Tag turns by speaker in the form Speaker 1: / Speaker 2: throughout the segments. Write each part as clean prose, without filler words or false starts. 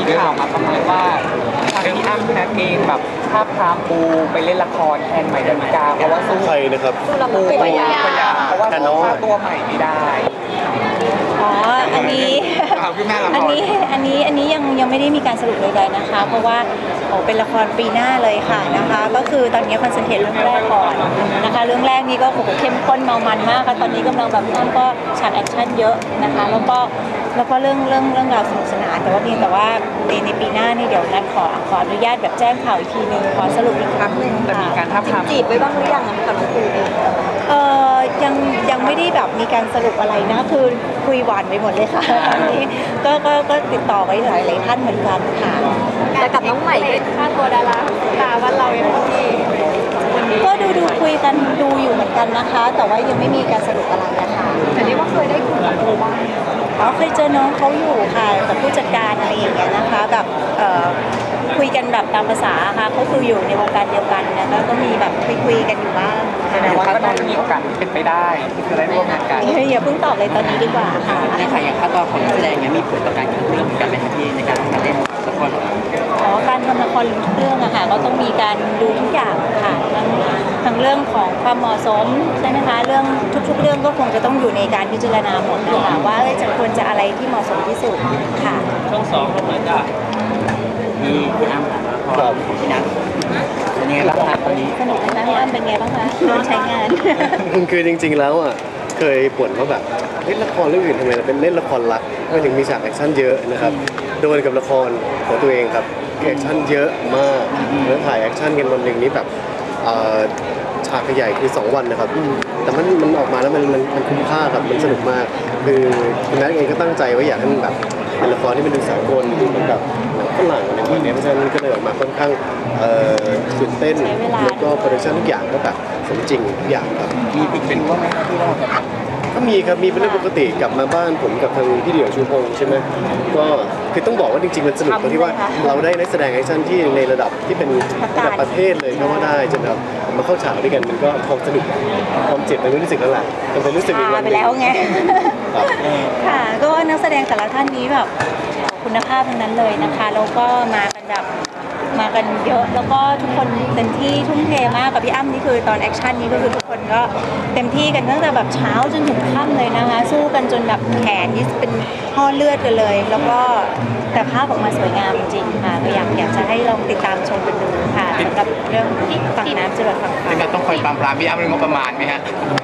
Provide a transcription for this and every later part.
Speaker 1: ข่าวมาประมาณว่าทางพี่อ้ำพี่นัทเองแบบท้าบทามปูไปเล่นละครแทนใหม่ดาวิกาเพราะว่าสู้
Speaker 2: ใครนะครับ
Speaker 1: ปูไปยาเพราะว่าสู้ค่าตัวใหม่ไม่ได้
Speaker 3: อ๋ออันนี้อันนี้ยังไม่ได้มีการสรุปใดๆนะคะ เพราะว่าเป็นละครปีหน้าเลยค่ะนะคะ ก็คือตอนนี้คอนเซนเทรตเรื่องแรกก่อนนะคะเรื่องแรกนี้ก็โอ้โหเข้มข้นเมามันมากค่ะตอนนี้กำลังแบบพี่อ้ำก็ฉากแอคชั่นเยอะนะคะแล้วก็เรื่องราวสนุกสนานแต่ว่าเพียงแต่ว่าในปีหน้านี่เดี๋ยวนัดขออนุญาตแบบแจ้งข่าวอีกทีนึงขอสรุปอีกครั้งหนึ่ง
Speaker 1: แต่มีการท้าบทาม
Speaker 4: จีบไว้บ้างหรือยังกับน้องปูเอง
Speaker 3: ยังไม่ได้แบบมีการสรุปอะไรนะคือคุยหวานไปหมดเลยค่ะตอนนี้ก็ติดต่อไว้หลายท่านเหมือนกันค่ะ
Speaker 4: แต่กับน้องใหม่ค่าตัวดาราตาวันเรายังที่
Speaker 3: ก็ดูคุยกันดูอยู่เหมือนกันนะคะ แต่ว่ายังไม่มีการสรุปอะไรนะคะ
Speaker 4: แต่เรียกว่าเคยได้คุยกับปูบ้าง
Speaker 3: เคยเจอน้องเขาอยู่ค่ะกับผู้จัดการอะไรอย่างเงี้ยนะคะแบบคุยกันแบบตามภาษาค่ะเขาคืออยู่ในวงการเดียวกันนะแล้วก็มีแบบคุยกันอยู่บ้าง
Speaker 1: แสดงว่าก็น่าจะมีโอกาสเป็นไปได้ที่จะได้ร่วมงานกัน
Speaker 3: อย่าเพิ่งตอบเลยตอนนี้ดีกว่าค่ะ
Speaker 5: ในขณะอย่างค่าตัวของนักแสดงเนี่ยมีผลต่อการขึ้นเรื่องการเป็นที่ในการเล่นละครของเรา
Speaker 3: การทำละครทุกเรื่องอะค่ะก็ต้องมีการดูทุกอย่างค่ะทั้งเรื่องของความเหมาะสมใช่ไหมคะเรื่องทุกๆเรื่องก็คงจะต้องอยู่ในการพิจารณาหมดนะคะว่าจะควรจะอะไรที่เหมาะสมที่สุดค่ะ
Speaker 5: ช่องสองก็เหมือนกับมีพี่อ้ำละครของพี่นัทเป็นยังไงบ้างคะตอนนี้
Speaker 3: สนุกไหมคะพี่อ้ำเป็นไงบ้างคะโดนใช้งาน
Speaker 2: คือจริงๆแล้วอ่ะเคยบ่นว่าแบบเล่นละครเรื่องอื่นทำไมเราเป็นเล่นละครรักไม่ถึงมีฉากแอคชั่นเยอะนะครับโดนกับละครของตัวเองครับแอคชั่นเยอะมากแล้วถ่ายแอคชั่นกันวันหนึ่งนี้แบบฉากใหญ่คือ2 วันนะครับแต่มันออกมาแล้วมันคุ้มค่าครับมันสนุกมากคือคุณนัทเองก็ตั้งใจว่าอยากให้มันแบบเป็นละครที่มันดูสากลดูเหมือนแบบหนังฝรั่งอะไรแบบนี้เพราะฉะนั้นก็เลยออกมาค่อนข้างตื่นเต้นแล้วก็โปรดักชั่นทุกอย่างก็แบบสมจริงทุกอย่างครับ
Speaker 1: มีติดเป็นว่าไหมที่เราแบบ
Speaker 2: ก็มีครับมีเป็นเรื่องปกติกลับมาบ้านผมกับทางพี่เดี่ยวชูพงษ์ใช่ไหมก็คือต้องบอกว่าจริงๆมันสนุกตรงที่ว่าเราได้นักแสดงแอคชั่นที่ในระดับที่เป็นระดับประเทศเลยก็ว่าได้จนแบบมาเข้าฉากด้วยกันมันก็ความสนุกความเจ็บมันไม่รู้สึกนั่นแหละมันเป็นรู้สึกอีกวันห
Speaker 3: ไป
Speaker 2: นึ่ง
Speaker 3: แล้วไง
Speaker 2: ครับ
Speaker 3: ค่ะก็นักแสดงแต่ละท่านนี้แบบคุณภาพทั้งนั้นเลยนะคะแล้วก็มากันแบบมากันเยอะแล้วก็ทุกคนเต็มที่ทุ่มเทมากกับพี่อ้ำนี่คือตอนแอคชั่นนี้ก็คือทุกคนก็เต็มที่กันตั้งแต่แบบเช้าจนถึงค่ำเลยนะคะสู้กันจนแบบแขนนี่เป็นห่อเลือดกันเลย แล้วก็แต่ภาพออกมาสวยงามจริงๆค่ะก็อยากจะให้ลองติดตามชมกันดูค่ะสำหรับเรื่องฝั่งน้ำจรวดฝั่งฟ้า
Speaker 1: ที่เราต้องคอยปรามพี่อ้ำเรื่องงบประมาณไหมฮะ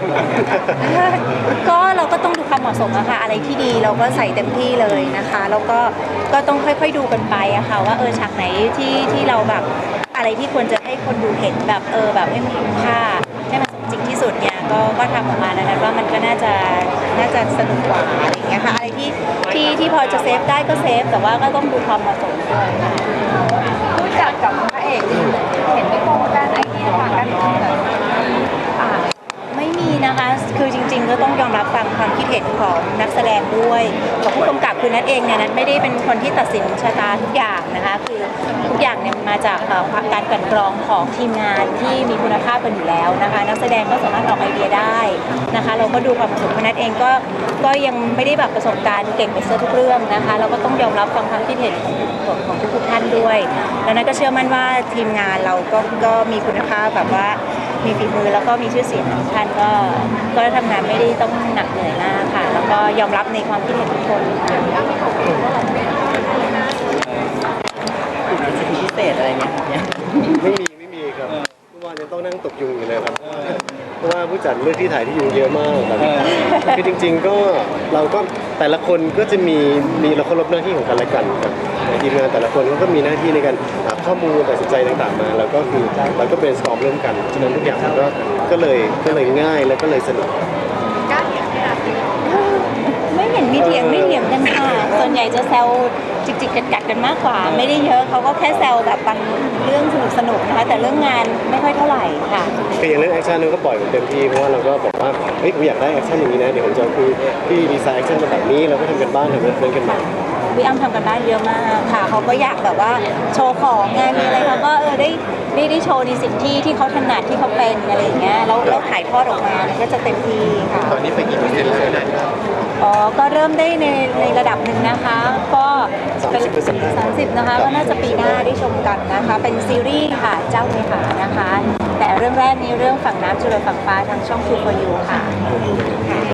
Speaker 3: ก็เราก็ต้องดูความเหมาะสมอะค่ะอะไรที่ดีเราก็ใส่เต็มที่เลยนะคะแล้วก็ต้องค่อยๆดูกันไปอะค่ะว่าฉากไหนที่เราแบบอะไรที่ควรจะให้คนดูเห็นแบบแบบให้มันคุ้มค่าให้มันสมจริงที่สุดเนี่ยก็ทำออกมาดังนั้นว่ามันก็น่าจะสนุกกว่าอะไรอย่างเงี้ยค่ะอะไรที่พอจะเซฟได้ก็เซฟแต่ว่าก็ต้องดูความเหมาะสมด้วยค่ะ
Speaker 4: ผู้จัดกับพระเอกเห็นไม่ตรงกันไอเดียต่างกันอ่า
Speaker 3: ไม่มีนะคะ คือจริงๆ ก็ต้องยอมรับฟังความคิดเห็นของนักแสดงด้วยกับผู้กำกับคือนัทเองเนี่ยนัทไม่ได้เป็นคนที่ตัดสินชะตาทุกอย่างนะคะ คือทุกอย่างเนี่ยมาจากการกลั่นกรองของทีมงานที่มีคุณภาพกันอยู่แล้วนะคะ นักแสดงก็สามารถออกไอเดียได้นะคะ เราก็ดูความเหมาะสมของนัทเองก็ยังไม่ได้แบบประสบการณ์เก่งไปเสียทุกเรื่องนะคะ เราก็ต้องยอมรับฟังความคิดเห็นของทุกๆท่านด้วย แล้วนัทก็เชื่อมั่นว่าทีมงานเราก็มีคุณภาพแบบว่ามีฝีมือแล้วก็มีชื่อเสียงทุกท่านก็ทำงานไม่ได้ต้องหนักเหนื่อยมากค่ะ แล้วก็ยอมรับในความคิดเห็นทุกคนค่ะ
Speaker 5: สิทธิพิเศษอะไรเงี้ย
Speaker 2: ไม่มีครับเมื่อวานยังต้องนั่งตกยุงอยู่เลยครับเพราะว่าผู้จัดเลือกที่ถ่ายที่ยุงเยอะมากแบบคือจริงๆก็เราก็แต่ละคนก็จะมีเราเคารพหน้าที่ของกันและกันครับทีมงานแต่ละคนก็มีหน้าที่ในการหาข้อมูลตัดสินใจต่างๆมาแล้วก็คือเราก็เป็นสตอมร่วมกันฉะนั้นทุกอย่างมันก็เลยง่ายแล้วก็เลยสนุก
Speaker 3: ไม่เห็นมีเถียงกันค่ะ ส่วนใหญ่จะแซวจิกๆกัดๆกันมากกว่า ไม่ได้เยอะเขาก็แค่แซวแบบบางเรื่องสนุกๆนะคะ แต่เรื่องงานไม่ค่อยเท่าไหร่ค่ะ
Speaker 2: คืออย่างเรื่องแอคชั่นเราก็ปล่อยเต็มที่เพราะว่าเราก็บอกว่าเฮ้ยผมอยากได้แอคชั่นอย่างนี้นะเดี๋ยวผมจะคือที่ดีไซน์แอคชั่นมาแบบนี้เราก็ทำกันบ้านทำเรื่องกันมา
Speaker 3: พี่อ้ำทำกันบ้านเยอะมากค่ะเขาก็อยากแบบว่าโชว์ของไงมีอะไรเขาก็ได้โชว์ในสิ่งที่เขาถนัดที่เขาเป็นอะไรอย่างเงี้ยแล้วถ่ายทอดออกมามันก็จะเต็มที่ค่ะ
Speaker 2: ตอนนี้ไปกี่เปอร์เซ็นต์แล้วนะ
Speaker 3: อ๋อก็เริ่มได้ในระดับหนึ่งนะคะ ก็เป็น
Speaker 2: 30%
Speaker 3: 30นะคะก็น่าจะปีหน้าได้ชมกันนะคะ เป็นซีรีส์ค่ะเจ้าเมหานะคะ แต่เรื่องแรกนี้เรื่องฝั่งน้ำจุลฝั่งฟ้าทางช่อง True for You ค่ะ